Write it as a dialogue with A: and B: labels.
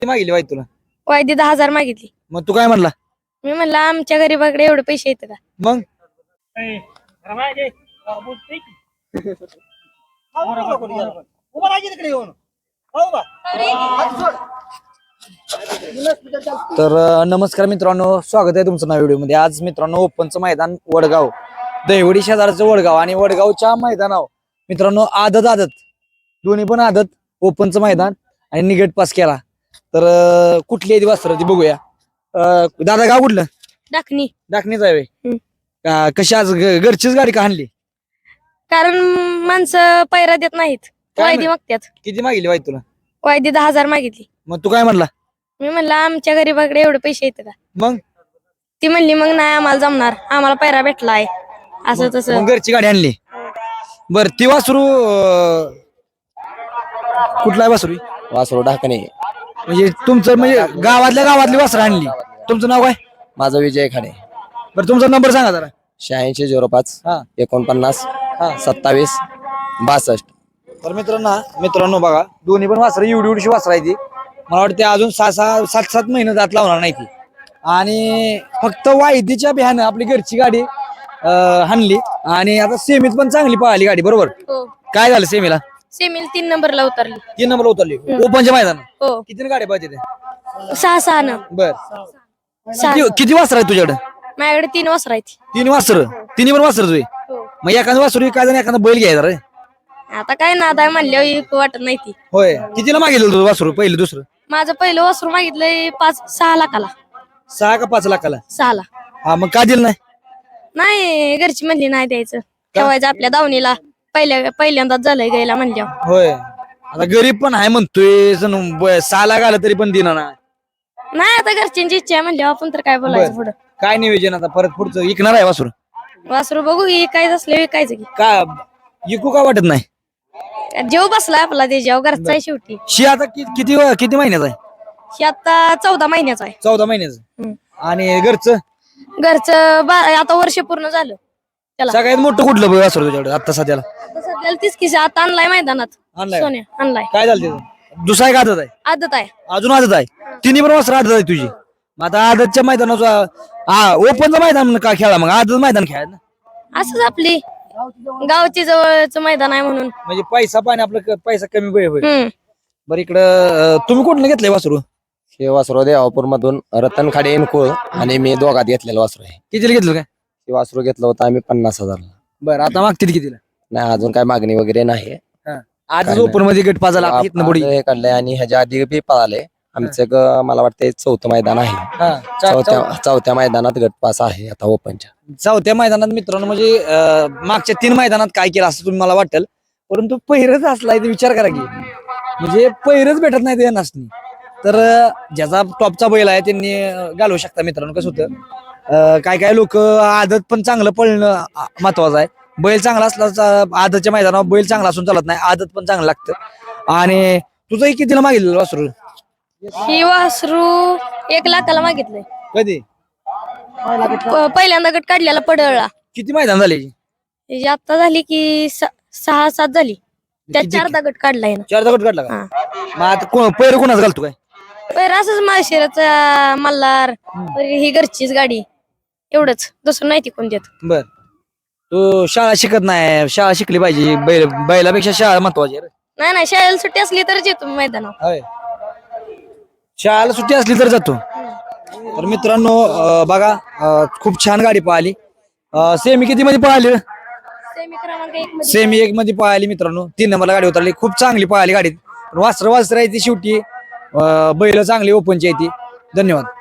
A: मागितली वाईट तुला?
B: वायदी 10,000 मागितली.
A: मग तू काय म्हणला?
B: मी म्हणलं आमच्या गरीबाकडे एवढे पैसे येतात का?
A: मग तर नमस्कार मित्रांनो, स्वागत आहे तुमचं नव्या व्हिडिओ मध्ये. आज मित्रांनो ओपनचं मैदान वडगाव, दहिवडी शेजारचं वडगाव आणि वडगावच्या मैदानावर मित्रांनो आदत दोन्ही पण आदत ओपनचं मैदान आणि निगेट पास केला. तर कुठली आहे वासरं ती बघूया. दादा गाव कुठलं? डाकणीच आहे व्हय. कशी आज घरचीच गाडी का आणली?
B: कारण माणसं पैरा देत नाहीत, वायदी मागतात.
A: किती मागितली वाईट तुला?
B: वायदी 10,000 मागितली.
A: मग तू काय म्हणला?
B: मी म्हणलं आमच्या गरीबाकडे एवढे पैसे येतात का?
A: मग
B: ती म्हणली मग नाही आम्हाला जमणार, आम्हाला पैरा भेटलाय असं तसं.
A: मग घरची गाडी आणली. बर ती वासरू कुठला आहे वासरू?
C: वासरू ढाकणे.
A: म्हणजे तुमचं म्हणजे गावातली वासरं आणली. तुमचं नाव काय?
C: माझा विजय खाडे.
A: बरं तुमचा नंबर सांगा जरा.
C: 8605
A: हा
C: 49
A: हा
C: 27 62.
A: तर मित्रांनो बघा, दोन्ही पण वासरं एवढी वासरं आहे ती. मला वाटते अजून 7 महिने जात लावणार नाही ती. आणि फक्त वायदीच्या बिहानं आपली घरची गाडी हाणली आणि आता सेमीत पण चांगली पळाली गाडी. बरोबर.
B: हो,
A: काय झालं सेमीला?
B: सेमील 3 नंबरला उतरली.
A: 3 नंबर उतरली ओपनच्या मैदानात.
B: हो,
A: किती गाड्या पाहिजे ते?
B: 6 न.
A: बर
B: 6.
A: किती वासर आहे तुझ्याकडे?
B: माझ्याकडे 3 वासर आहेत.
A: 3 वासर. तिन्ही पण वासर तुझे?
B: हो.
A: मग एखादं वासरू काय जण एखादा बैल घ्यायचा रे.
B: आता काय नाद आहे म्हणल्यावर वाटत नाही ती.
A: होय. कितीला मागितलं तुझं वासरू? पहिलं दुसरं?
B: माझं पहिलं वासरू मागितलंय 6 लाखाला.
A: 6 का 5 लाखाला?
B: 6 ला.
A: हा मग का दिलं नाही?
B: नाही, घरची म्हणली नाही द्यायचं, ठेवायचं आपल्या दावणीला. पहिल्यांदाच झालंय गायला म्हणल्यावर.
A: होय. आता गरीब पण आहे म्हणतोय, 6 लाख आलं तरी पण दिना नाही.
B: नाही, आता घरच्यांची इच्छा आहे म्हणल्यावर आपण तर काय बोलायचं पुढं.
A: काय नियोजन आता परत पुढचं विकणार आहे वासरू?
B: वासरू बघू की विकायचं असलं विकायचं की.
A: का विकू का वाटत नाही?
B: जेव बसलाय आपला त्याच्यावर, घरचा आहे शेवटी.
A: शी आता किती महिन्याचा आहे?
B: ही आता 14 महिन्याचा आहे.
A: 14 महिन्याचं. आणि घरचं
B: आता वर्ष पूर्ण झालं त्याला.
A: सगळ्यात मोठं कुठलं वासरू तुझ्याकडे आता सध्याला?
B: आता सध्याला तीच किस आता आणलाय मैदानात.
A: आणलाय?
B: सोन्या आणलाय.
A: काय झालं त्याचं? दुसरा एक आदत आहे?
B: आदत आहे.
A: अजून आदत आहे. तिन्ही पण वासरं आदत आहे तुझी. मग आता आदतच्या मैदानाचा ओपनचं मैदान का खेळा? मग आदत मैदान खेळा ना.
B: असंच आपली गावची जवळच मैदान आहे म्हणून.
A: म्हणजे पैसा पाणी आपलं पैसा कमी होईल.
B: हम्म.
A: बरं इकडं तुम्ही कुठलं घेतलंय वासरू?
C: हे वासरू देवापूर मधून रतन खाडे कुळ आणि मी दोघात घेतलेलं वासरू आहे.
A: कितीला घेतलं काय?
C: हे वासरू घेतलं होतं आम्ही 50,000.
A: बरं आता मागतील कितीला?
C: नाही, अजून काय मागणी वगैरे नाही.
A: आज ओपन मध्ये गट पाजाला इथनं बुडी.
C: हे काढलंय आणि ह्याच्या आधी बी पळाले. आमचं मला वाटतं 4थं मैदान आहे. चौथ्या मैदानात गटपास आहे आता ओपनच्या.
A: चौथ्या मैदानात मित्रांनो, म्हणजे मागच्या 3 मैदानात काय केलं असं तुम्ही मला वाटेल, परंतु पहिरच असलाय ते विचार करा की. म्हणजे पहिरच भेटत नाही ते नसणी. तर ज्याचा टॉपचा बैल आहे त्यांनी घालवू शकता. मित्रांनो कसं होतं, काय लोक आदत पण चांगलं पळणं महत्वाचं आहे. बैल चांगला असला आदतच्या मैदानावर बैल चांगला असून चालत नाही, आदत पण चांगलं लागतं. आणि तुझंही कितीला मागितलं वासरू?
B: ही वासरू 1 लाखाला मागितलंय.
A: कधी?
B: पहिल्यांदा गट काढलेला पडळला.
A: किती मैदान झाले?
B: ही आता झाली की 6-7 झाली. त्यात 4दा गट काढलाय ना.
A: 4दा गट काढला का?
B: हा.
A: मग आता पहिरं कोणाच घालतो काय?
B: पहिला असंच माळशिराचा मल्हार, ही घरचीच गाडी, एवढंच, दुसरं नाही ती कोण देत.
A: बर तू शाळा शिकत नाही, शाळा शिकली पाहिजे. बैलापेक्षा शाळा महत्वाची आहे.
B: नाही, शाळेला सुट्टी असली तरच येतो मैदानावर.
A: होय. शाळेला सुट्टी असली तर जातो. तर मित्रांनो बघा, खूप छान गाडी पळाली. सेमी किती मध्ये पळाली?
B: सेमी क्रमांक 1 मध्ये.
A: सेमी 1 मध्ये पळाली मित्रांनो. 3 नंबरला गाडी उतरली. खूप चांगली पळाली गाडी. वासर आहे ती शेवटी. बैल चांगली ओपनची आहे ती. धन्यवाद.